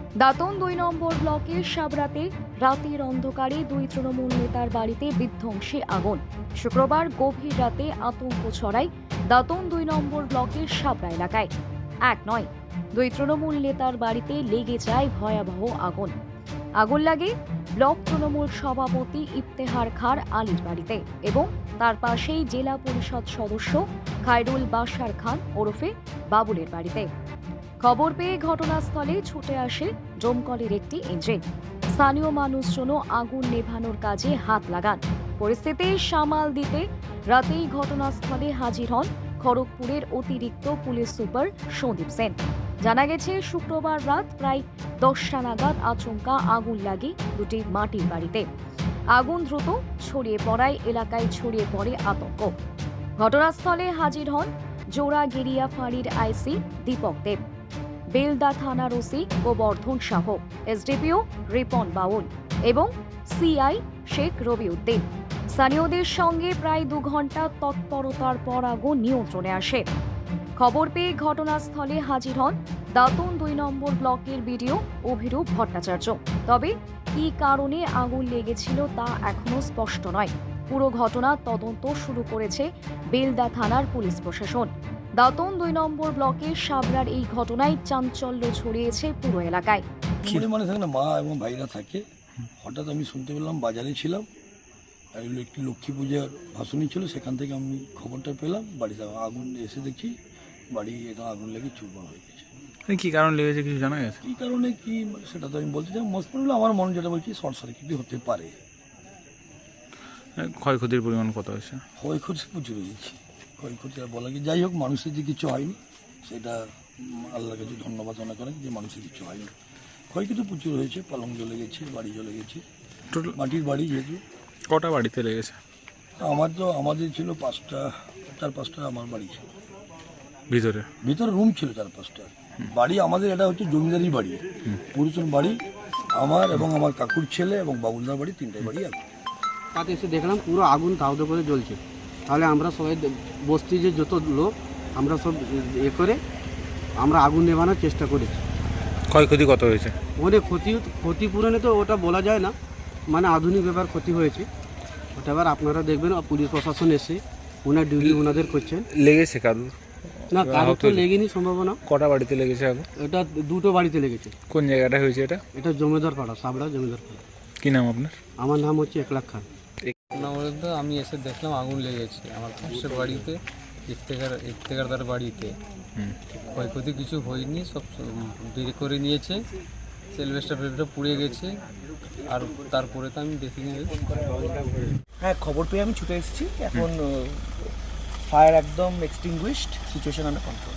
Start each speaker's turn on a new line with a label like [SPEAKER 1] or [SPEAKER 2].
[SPEAKER 1] দাঁতন ২ নম্বর ব্লকের সাবরাতে রাতের অন্ধকারে দুই তৃণমূল নেতার বাড়িতে বিধ্বংসী আগুন। শুক্রবার গভীর রাতে আতঙ্ক ছড়ায় দাঁতন ২ নম্বর ব্লকের সাবরা এলাকায়। এক নয়, দুই তৃণমূল নেতার বাড়িতে লেগে যায় ভয়াবহ আগুন। আগুন লাগে ব্লক তৃণমূল সভাপতি ইফতেখার খার আলীর বাড়িতে এবং তার পাশেই জেলা পরিষদ সদস্য খায়রুল বাশার খান ওরফে বাবুলের বাড়িতে। খবর পেয়ে ঘটনাস্থলে ছুটে আসে দমকলের একটি ইঞ্জিন। স্থানীয় মানুষজনও আগুন নেভানোর কাজে হাত লাগান। পরিস্থিতি সামাল দিতে রাতেই ঘটনাস্থলে হাজির হন খড়গপুরের অতিরিক্ত পুলিশ সুপার সন্দীপ সেন। জানা গেছে, শুক্রবার রাত প্রায় 10টা নাগাদ আচমকা আগুন লাগে দুটি মাটির বাড়িতে। আগুন দ্রুত ছড়িয়ে পড়ায় এলাকায় ছড়িয়ে পড়ে আতঙ্ক। ঘটনাস্থলে হাজির হন জোড়াগেরিয়া ফাঁড়ির আইসি দীপক দেব, বেলদা থানার ওসি গোবর্ধন শাহ, এসডিপিও রিপন বাউল এবং সিআই শেখ রবিউদ্দিন। স্থানীয়দের সঙ্গে প্রায় 2 ঘন্টা তৎপরতার পর আগুন নিয়ন্ত্রণে আসে। খবর পেয়ে ঘটনাস্থলে হাজির হন দাঁতন 2 নম্বর ব্লকের বিডিও অভিরূপ ভট্টাচার্য। তবে কী কারণে আগুন লেগেছিল তা এখনো স্পষ্ট নয়। পুরো ঘটনা তদন্ত শুরু করেছে বেলদা থানার পুলিশ প্রশাসন। দাঁতন 2 নম্বর ব্লকের সাবরার এই ঘটনায় চাঞ্চল্য ছড়িয়েছে পুরো এলাকায়।
[SPEAKER 2] মানে থাকে না, মা এবং ভাইরা থাকে। হঠাৎ আমি শুনতে পেলাম, বাজারে ছিলাম, একটি লক্ষ্মী পূজার ভাষণই ছিল, সেখান থেকে আমি খবরটা পেলাম। বাড়িতে আগুন এসে দেখি বাড়ি এখন আগুন লেগে চুরমার হয়ে গেছে।
[SPEAKER 3] কি কারণ লেগেছে কিছু জানা গেছে?
[SPEAKER 2] কী কারণে কি সেটা তো আমি বলতে চাই, মোস্ট প্রবলি আমার মনে যেটা বলছি শর্ট সার্কিটই হতে পারে।
[SPEAKER 3] ক্ষয়ক্ষতির পরিমাণ কত হয়েছে?
[SPEAKER 2] ক্ষয়ক্ষতি প্রচুর হয়েছে, ক্ষয়ক্ষতি আর বলা কি, যাই হোক মানুষের যে কিছু হয়নি সেটা আল্লাহর কাছে ধন্যবাদ মনে করেন যে মানুষের কিছু হয়নি। ক্ষয়ক্ষতি প্রচুর হয়েছে, পালং জ্বলে গেছে, বাড়ি জ্বলে গেছে,
[SPEAKER 3] টোটাল
[SPEAKER 2] মাটির বাড়ি যেহেতু।
[SPEAKER 3] কটা বাড়িতে লেগেছে?
[SPEAKER 2] আমাদের ছিল 4-5টা আমার বাড়ি ছিল,
[SPEAKER 3] ভিতরে
[SPEAKER 2] রুম ছিল 4-5টা বাড়ি। আমাদের এটা হচ্ছে জমিদারি বাড়ি, পুরুষের বাড়ি। আমার এবং আমার কাকুর ছেলে এবং বাবুলদার বাড়ি, 3টে বাড়ি আছে।
[SPEAKER 4] তাতে এসে দেখলাম পুরো আগুন দাউদে করে জ্বলছে। তাহলে আমরা সবাই বস্তি যে যত লোক আমরা সব করে আমরা আগুন নেভানোর চেষ্টা করেছি।
[SPEAKER 3] ক্ষয়ক্ষতি কত হয়েছে?
[SPEAKER 4] ওদের ক্ষতিপূরণে তো ওটা বলা যায় না, মানে আধুনিক ব্যাপার ক্ষতি হয়েছে ওটা। এবার আপনারা দেখবেন পুলিশ প্রশাসন এসে ওনার ডিউটি ওনাদের করছেন।
[SPEAKER 3] লেগেছে কারুর?
[SPEAKER 4] না, কারোর তো লেগেনি সম্ভাবনা।
[SPEAKER 3] কটা বাড়িতে লেগেছে আগুন?
[SPEAKER 4] এটা 2টো বাড়িতে লেগেছে।
[SPEAKER 3] কোন জায়গাটা হয়েছে এটা?
[SPEAKER 4] এটা জমিদার পাড়া, সাবড়া জমিদার পাড়া।
[SPEAKER 3] কি নাম আপনার?
[SPEAKER 4] আমার নাম হচ্ছে একলাখ খান।
[SPEAKER 5] না বলতে আমি এসে দেখলাম আগুন লেগেছে আমার পাশের বাড়িতে, ইফতেখারদার বাড়িতে। ক্ষয়ক্ষতি কিছু হয়নি, সব বের করে নিয়েছে। সেলভেস্টার পুড়ে গেছে, আর তারপরে তো আমি দেখিনি।
[SPEAKER 6] হ্যাঁ, খবর পেয়ে আমি ছুটে এসেছি। এখন ফায়ার একদম এক্সটিংগুইশড, সিচুয়েশন আন্ডার কন্ট্রোল।